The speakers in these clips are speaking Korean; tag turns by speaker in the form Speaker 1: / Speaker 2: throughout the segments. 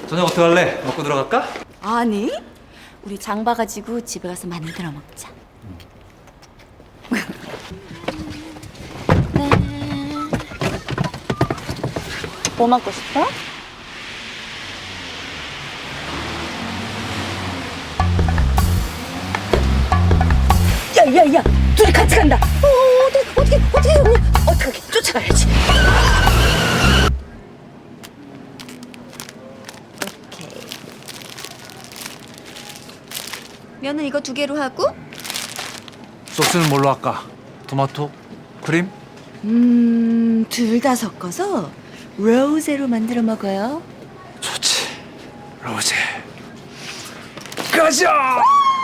Speaker 1: 저녁 어떻게 할래? 먹고 들어갈까?
Speaker 2: 아니, 우리 장 봐가지고 집에 가서 만들어 먹자. 네. 뭐 먹고 싶어? 야야야, 둘이 같이 간다. 어떻게 언니? 어떻게 쫓아가야지. 오케이. 면은 이거 2개로 하고.
Speaker 1: 소스는 뭘로 할까? 토마토? 크림?
Speaker 2: 둘 다 섞어서 로제로 만들어 먹어요.
Speaker 1: 좋지. 로제. 가자!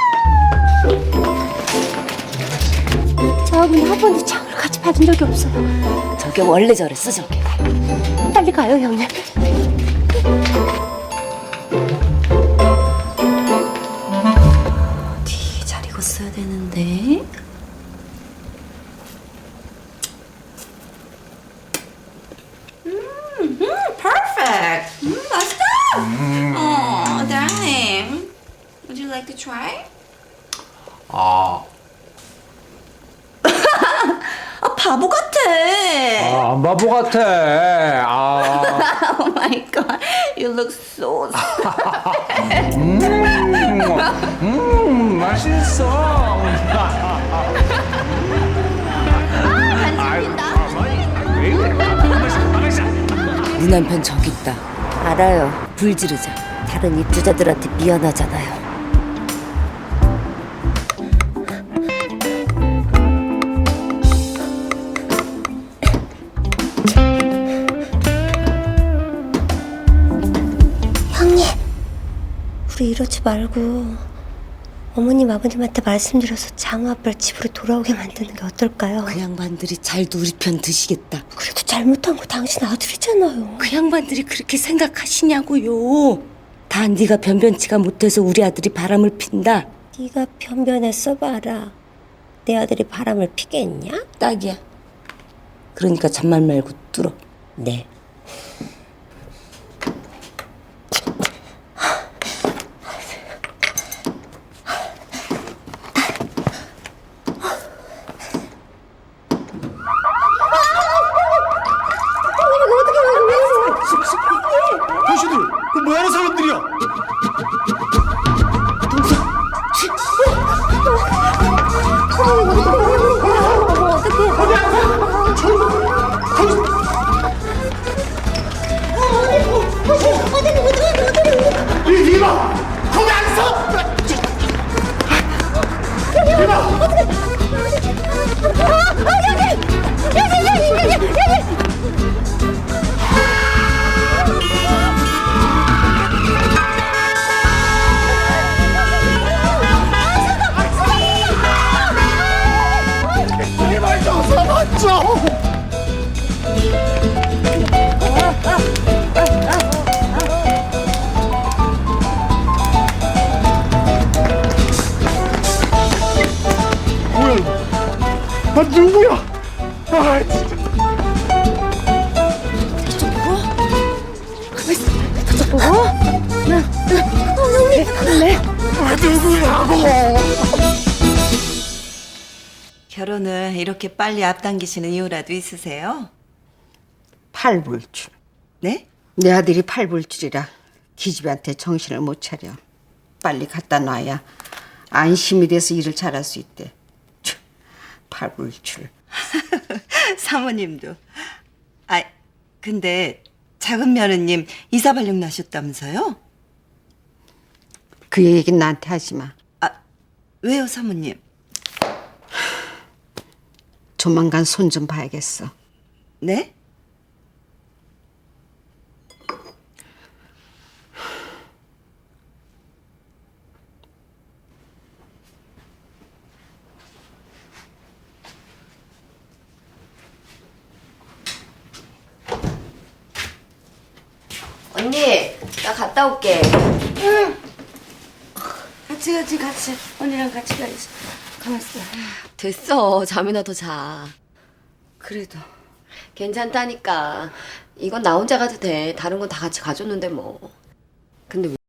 Speaker 2: 저하고는 한 번도 장을 같이 받은 적이 없어요. 저게 원래 저랬어, 저게. 빨리 가요, 형님. 어디 잘 익었어야 되는데.
Speaker 3: Perfect. Let's go. Oh, darling. Would you like to try?
Speaker 1: 아,
Speaker 3: 아, 바보 같아.
Speaker 1: 안 바보 같아.
Speaker 3: Oh my god. You look so
Speaker 1: 맛있어.
Speaker 4: 우리 남편 저기 있다. 알아요. 불 지르자. 다른 입주자들한테 미안하잖아요.
Speaker 5: 형님, 우리 이러지 말고 어머님 아버님한테 말씀드려서 장우 아빠를 집으로 돌아오게 만드는 게 어떨까요?
Speaker 4: 그 양반들이 잘도 우리 편 드시겠다.
Speaker 5: 그래도 잘못한 거 당신 아들이잖아요.
Speaker 4: 그 양반들이 그렇게 생각하시냐고요. 다 네가 변변치가 못해서 우리 아들이 바람을 핀다.
Speaker 5: 네가 변변에 써봐라. 내 아들이 바람을 피겠냐?
Speaker 4: 딱이야. 그러니까 잔말 말고 뚫어.
Speaker 5: 네.
Speaker 1: 당신들, 그 뭐하는 사람들이야? 이봐! 거기 안 서! 제발 좀 서봤죠! 뭐야 이거? 아 누구야? 아 진짜. 아 누구냐고?
Speaker 3: 결혼을 이렇게 빨리 앞당기시는 이유라도 있으세요?
Speaker 6: 팔불출.
Speaker 3: 네?
Speaker 6: 내 아들이 팔불출이라 기집애한테 정신을 못 차려. 빨리 갖다 놔야 안심이 돼서 일을 잘할 수 있대. 촤, 팔불출.
Speaker 3: 사모님도. 아, 근데 작은 며느님 이사 발령 나셨다면서요?
Speaker 6: 그 얘기는 나한테 하지 마.
Speaker 3: 아, 왜요, 사모님?
Speaker 6: 조만간 손 좀 봐야겠어.
Speaker 3: 네?
Speaker 4: 언니, 나 갔다 올게.
Speaker 3: 같이. 언니랑 같이 가야지. 가만있어.
Speaker 4: 됐어. 잠이나 더 자.
Speaker 3: 그래도.
Speaker 4: 괜찮다니까. 이건 나 혼자 가도 돼. 다른 건 다 같이 가줬는데 뭐. 근데